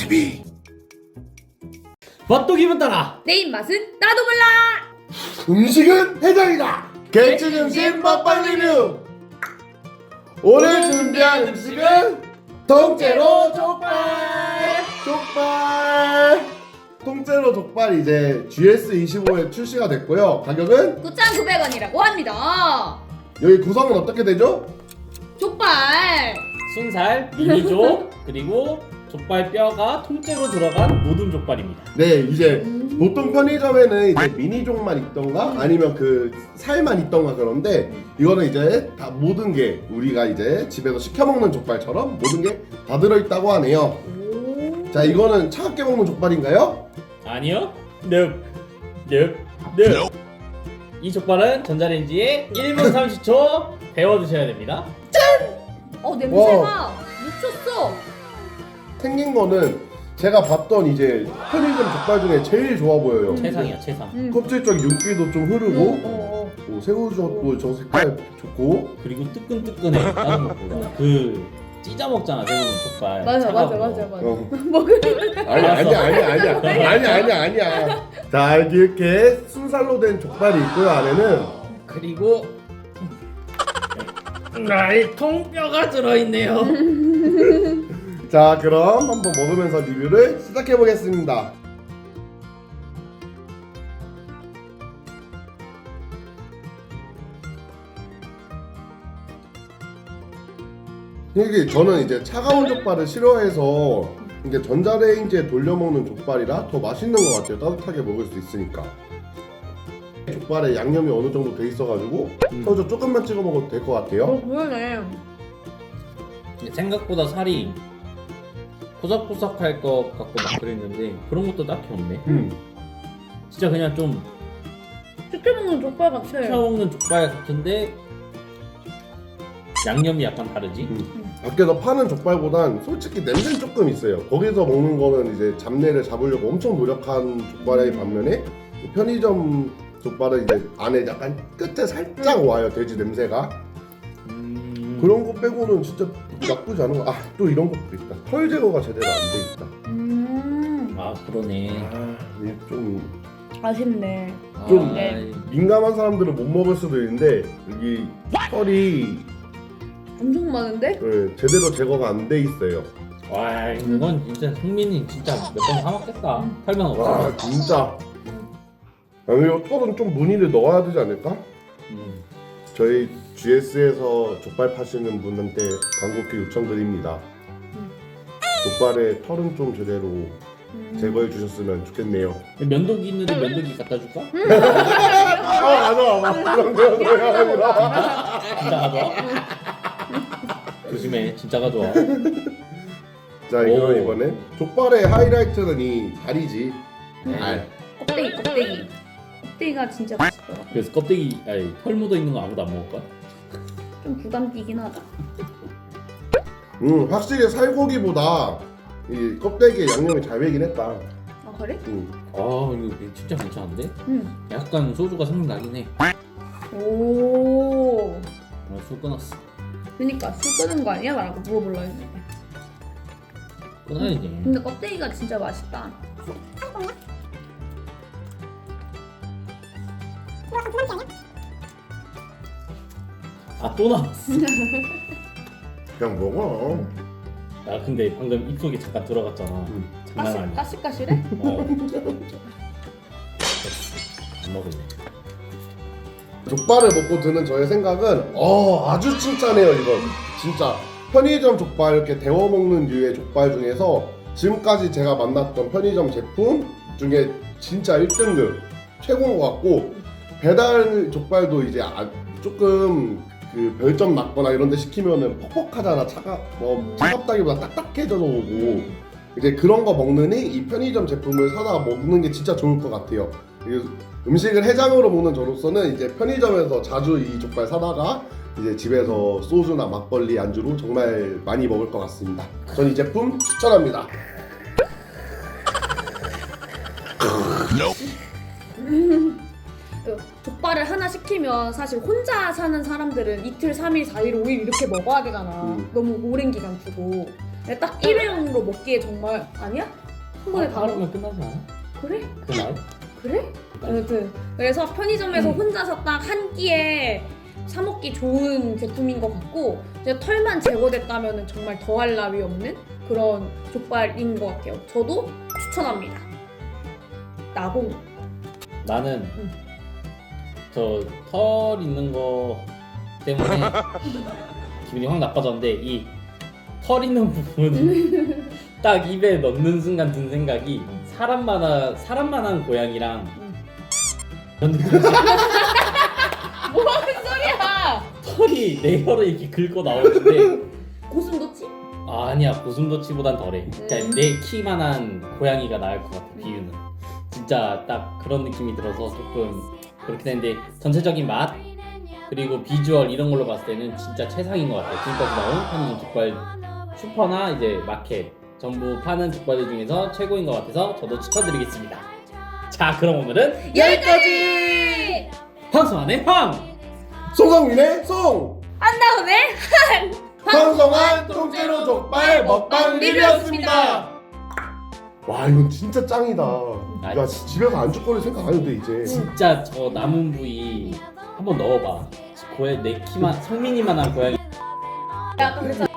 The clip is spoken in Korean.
TV. 맛도 기분 따라. 내 입맛은 나도 몰라. 음식은 해장이다. 개츠 음식 먹방 리뷰. 오늘 준비한 음식은 통째로 족발. 통째로 족발 이제 GS25에 출시가 됐고요. 가격은 9,900원이라고 합니다. 여기 구성은 어떻게 되죠? 족발. 순살, 미니족, 그리고 족발 뼈가 통째로 들어간 모든 족발입니다. 네, 이제 보통 편의점에는 이제 미니족만 있던가 아니면 그 살만 있던가 그런데 이거는 이제 다 모든 게 우리가 이제 집에서 시켜 먹는 족발처럼 모든 게 다 들어있다고 하네요. 자, 이거는 차갑게 먹는 족발인가요? 아니요. 넵. 이 족발은 전자레인지에 1분 30초 데워 드셔야 됩니다. 냄새가 미쳤어. 생긴 거는 제가 봤던 이제 편의점 족발 중에 제일 좋아 보여요. 최상이야, 최상. 껍질 쪽 윤기도 좀 흐르고 새우젓도 저 색깔 좋고 그리고 뜨끈뜨끈해. 다른 것보다. 그 찢어 먹잖아, 대부분 족발. 맞아. 먹으면 아니야. 자, 이렇게 순살로 된 족발이 있고요. 안에는 그리고 이 통뼈가 들어있네요. 자, 그럼 한번 먹으면서 리뷰를 시작해 보겠습니다. 이게 저는 이제 차가운 족발을 싫어해서 이게 전자레인지에 돌려 먹는 족발이라 더 맛있는 것 같아요. 따뜻하게 먹을 수 있으니까. 족발에 양념이 어느 정도 돼 있어가지고 새우젓 조금만 찍어 먹어도 될 것 같아요. 그러네. 생각보다 살이 포삭포삭할 것 같고 막 그랬는데 그런 것도 딱히 없네. 진짜 그냥 좀 시켜 먹는 족발 같아. 시켜 먹는 족발 같은데 양념이 약간 다르지? 밖에서 파는 족발보단 솔직히 냄새는 조금 있어요. 거기서 먹는 거는 이제 잡내를 잡으려고 엄청 노력한 족발의 반면에 편의점 족발은 이제 안에 약간 끝에 살짝 와요, 돼지 냄새가. 그런 거 빼고는 진짜 나쁘지 않은 거. 아, 또 이런 것도 있다. 털 제거가 제대로 안 돼 있다. 아 그러네. 이게 좀 아쉽네. 좀 네. 민감한 사람들은 못 먹을 수도 있는데 여기 털이 엄청 많은데? 제대로 제거가 안 돼 있어요. 와 이건 진짜 성민이 진짜 몇 번 사먹겠다. 털만 없어. 와, 진짜. 아니, 이 털은 좀 무늬를 넣어야 되지 않을까? 저희 GS에서 족발 파시는 분한테 간곡히 요청드립니다. 족발에 털은 좀 제대로 제거해 주셨으면 좋겠네요. 면도기인데 면도기 갖다 줄까? 맞아. 그런 거야 아니라. 진짜 가져와? 조심해, 진짜 가져와. 자, 이거 이번에 족발의 하이라이트는 이 다리지. 알. 껍데기가 진짜 맛있더라. 그래서 껍데기, 아니 털 묻어 있는 거 아무도 안 먹을 거야? 좀 부담 뛰긴 하다. 확실히 살고기보다 이 껍데기에 양념이 잘 배긴 했다. 아 그래? 아 이거 진짜 괜찮은데? 약간 소주가 생각나긴 해. 오. 술 끊었어. 그니까 술 끄는 거 아니야? 라고 물어보려 했는데. 끊어야지. 근데 껍데기가 진짜 맛있다. 아 또 나왔어. 그냥 먹어. 야 근데 방금 입속에 잠깐 들어갔잖아. 장난 아니야. 까실까실해? 안 먹을래. 족발을 먹고 드는 저의 생각은 아주 칭찬해요. 이건 진짜 편의점 족발 이렇게 데워 먹는 류의 족발 중에서 지금까지 제가 만났던 편의점 제품 중에 진짜 1등급 최고인 것 같고, 배달 족발도 이제 조금 그 별점 낮거나 이런 데 시키면은 퍽퍽하잖아. 차갑다기보다 딱딱해져서 오고, 이제 그런 거 먹느니 이 편의점 제품을 사다가 먹는 게 진짜 좋을 것 같아요. 음식을 해장으로 먹는 저로서는 이제 편의점에서 자주 이 족발 사다가 이제 집에서 소주나 막걸리 안주로 정말 많이 먹을 것 같습니다. 전 이 제품 추천합니다. 족발을 하나 시키면 사실 혼자 사는 사람들은 이틀, 3일, 4일, 5일 이렇게 먹어야 되잖아. 너무 오랜 기간 두고. 근데 딱 일회용으로 먹기에 정말 아니야? 한 번에 다 먹어. 바르면 끝나지 않아? 그래? 그날? 그래? 아무튼 그래서 편의점에서 혼자서 딱 한 끼에 사 먹기 좋은 제품인 것 같고 이제 털만 제거됐다면 정말 더할 나위 없는 그런 족발인 것 같아요. 저도 추천합니다. 나공. 나는 저 털 있는 거 때문에 기분이 확 나빠졌는데 이 털 있는 부분 딱 입에 넣는 순간 든 생각이 사람만한 고양이랑 그런 느낌이지. 뭐하는 소리야? 털이 내 혀를 이렇게 긁고 나오는데 고슴도치? 아니야 고슴도치보단 덜해. 그러니까 내 키만한 고양이가 나을 것 같아 비유는. 진짜 딱 그런 느낌이 들어서 조금 그렇긴 했는데 전체적인 맛 그리고 비주얼 이런 걸로 봤을 때는 진짜 최상인 것 같아요. 지금까지 나온 편의점 족발 슈퍼나 이제 마켓 전부 파는 족발들 중에서 최고인 것 같아서 저도 추천드리겠습니다. 자 그럼 오늘은 여기까지! 방송 안에 황! 송성민의 송! 한다음에 방송한 통째로 족발 먹방 리뷰였습니다. 와 이건 진짜 짱이다. 야 집에서 안주거리 생각 안 해도 돼 이제. 진짜 저 남은 부위 한번 넣어봐. 내 키만 성민이만한 고양이 야, 아까 그랬잖아.